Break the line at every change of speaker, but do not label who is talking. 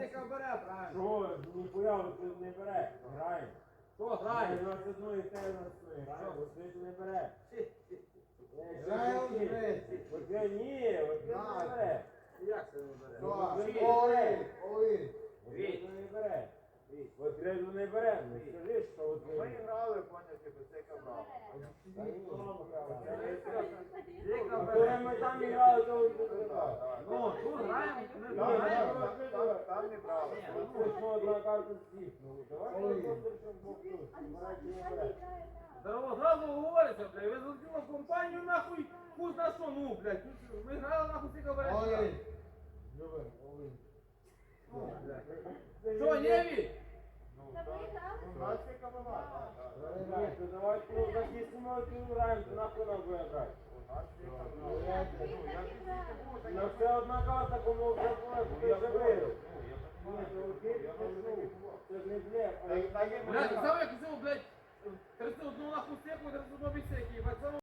Стика бере, правильно.
Що, ніхуя ви не бере. Граємо.
Що грає?
У нас одної те у нас одної. Граємо, бо ти не бере.
Граємо з Греції.
От я ні, от я не бере.
Як це не бере?
Олин.
От не бере. От креду не бере. Ну скажи, що от
Ми грали, поняття, без цика брав.
А коли ми там грали, то не брав.
Ну, тут граємо, не
Ні,
граємо.
Там не брали.
Це ж одна карта всіх. Ну, давай просто щоб Бог тут. Марать не бере.
Зразу говориться, блядь, ви залетіли в компанію, нахуй, хуй на що, ну, блядь, ми грали, нахуй, стика бере.
Олин. Любим, Олин.
Що, Нєві?
У нас цика була.
Ні, то давайте ну, захистимо цю граємо, то нахуй нам буде грати.
У нас цика була.
Ну це одна карта, кому вже була, куди вже вийшов. Ні, то окей, це ж не блеф.
Блядь, саме як цього, блядь, 31 нахуй стеку, 31 бісеки, їбать,